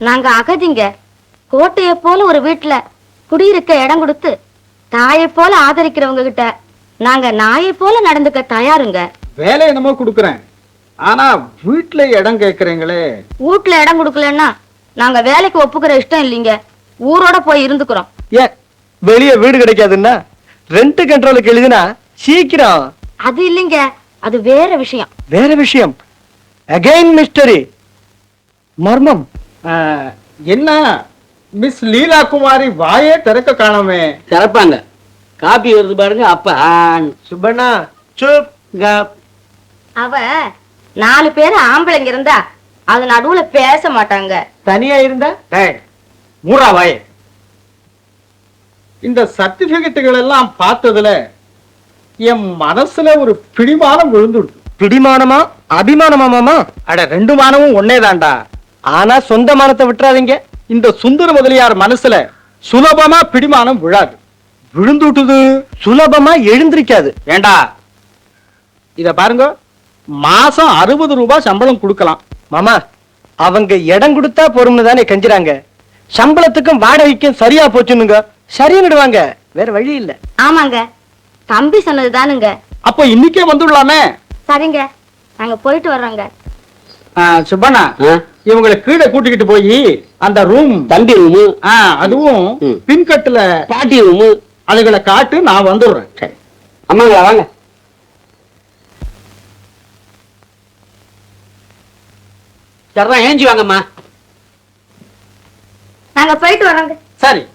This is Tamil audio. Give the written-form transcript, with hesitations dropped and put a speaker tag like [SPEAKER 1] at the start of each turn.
[SPEAKER 1] நாங்க அகதிங்க. கோட்டைய போல ஒரு வீட்டுல குடியிருக்க இடம் கொடுத்து தாயை போல ஆதரிக்கிறவங்க கிட்ட நாங்க நாயை போல நடந்துக்க தயாருங்க.
[SPEAKER 2] வேலை என்னமோ கொடுக்குறேன், ஆனா வீட்டுல இடம் கேக்குறீங்களே.
[SPEAKER 1] வீட்டுல இடம் கொடுக்கலன்னா நாங்க வேலைக்கு ஒப்புக்கிற இஷ்டம் இல்லைங்க. ஊரோட போய் இருந்துக்கிறோம்.
[SPEAKER 3] ஏன் வெளியே வீடு கிடைக்காதுன்னா ரெண்ட் கண்ட்ரோலுக்கு எழுதினா சீக்கிரம்.
[SPEAKER 1] அது இல்லைங்க, அது வேற விஷயம்.
[SPEAKER 3] வேற விஷயம். அகைன் மிஸ்டரி, மர்மம்.
[SPEAKER 2] என்ன மிஸ் லீலா குமாரி வாயே திறக்க காணோமே.
[SPEAKER 4] திறப்பாங்க. காப்பி வருது பாருங்க. அப்ப
[SPEAKER 3] சுப்பண்ணா சுப் கப்.
[SPEAKER 1] அவ 4 பேர் ஆம்பளைங்க இருந்தா அது நடுவுல பேச மாட்டாங்க.
[SPEAKER 3] தனியா இருந்தா
[SPEAKER 2] மூரா வாயே. இந்த சர்டிபிகேட்டுகள் எல்லாம் பார்த்ததுல என் மனசுல ஒரு பிடிமானம் விழுந்துடுது.
[SPEAKER 3] பிடிமானமா அபிமானமா மாமா?
[SPEAKER 2] அட 2 மானமும் ஒன்னேதான்டா.
[SPEAKER 3] ஆனா சொந்த மானத்தை விட்டுறாதீங்க.
[SPEAKER 2] இந்த சுந்தர முதலியார் மனசுல சுலபமா பிடிமானம் விழாது. விழுந்துட்டுது,
[SPEAKER 3] சுலபமா எழுந்திருக்காது.
[SPEAKER 2] ஏண்டா இத பாருங்க, மாசம் 60 ரூபாய் சம்பளம் கொடுக்கலாம்.
[SPEAKER 3] மாமா, அவங்க இடம் கொடுத்தா பொறும்னு தானே கஞ்சுறாங்க. சம்பளத்துக்கும் வாடகைக்கும் சரியா போச்சுன்னுங்க சரின்னுடுவாங்க. வேற வழி இல்ல.
[SPEAKER 1] ஆமாங்க, தம்பி சொன்னதுதானுங்க.
[SPEAKER 2] அப்ப இன்னைக்கே வந்துடலாமே.
[SPEAKER 1] சரிங்க, நாங்க போயிட்டு வர்றோங்க.
[SPEAKER 2] சுப்பண்ணா, இவங்களை கீழே கூட்டிக்கிட்டு போய் அந்த ரூம்,
[SPEAKER 4] தம்பி ரூமு,
[SPEAKER 2] அதுவும் பின்கட்டுல
[SPEAKER 4] பாட்டி ரூமு
[SPEAKER 2] அதுகளை காட்டு, நான் வந்துடுறேன்.
[SPEAKER 4] சரி அம்மாங்களா வாங்க. சரிதான், ஏஞ்சி வாங்கம்மா.
[SPEAKER 1] நாங்க போயிட்டு வர்றோங்க.
[SPEAKER 2] சரி.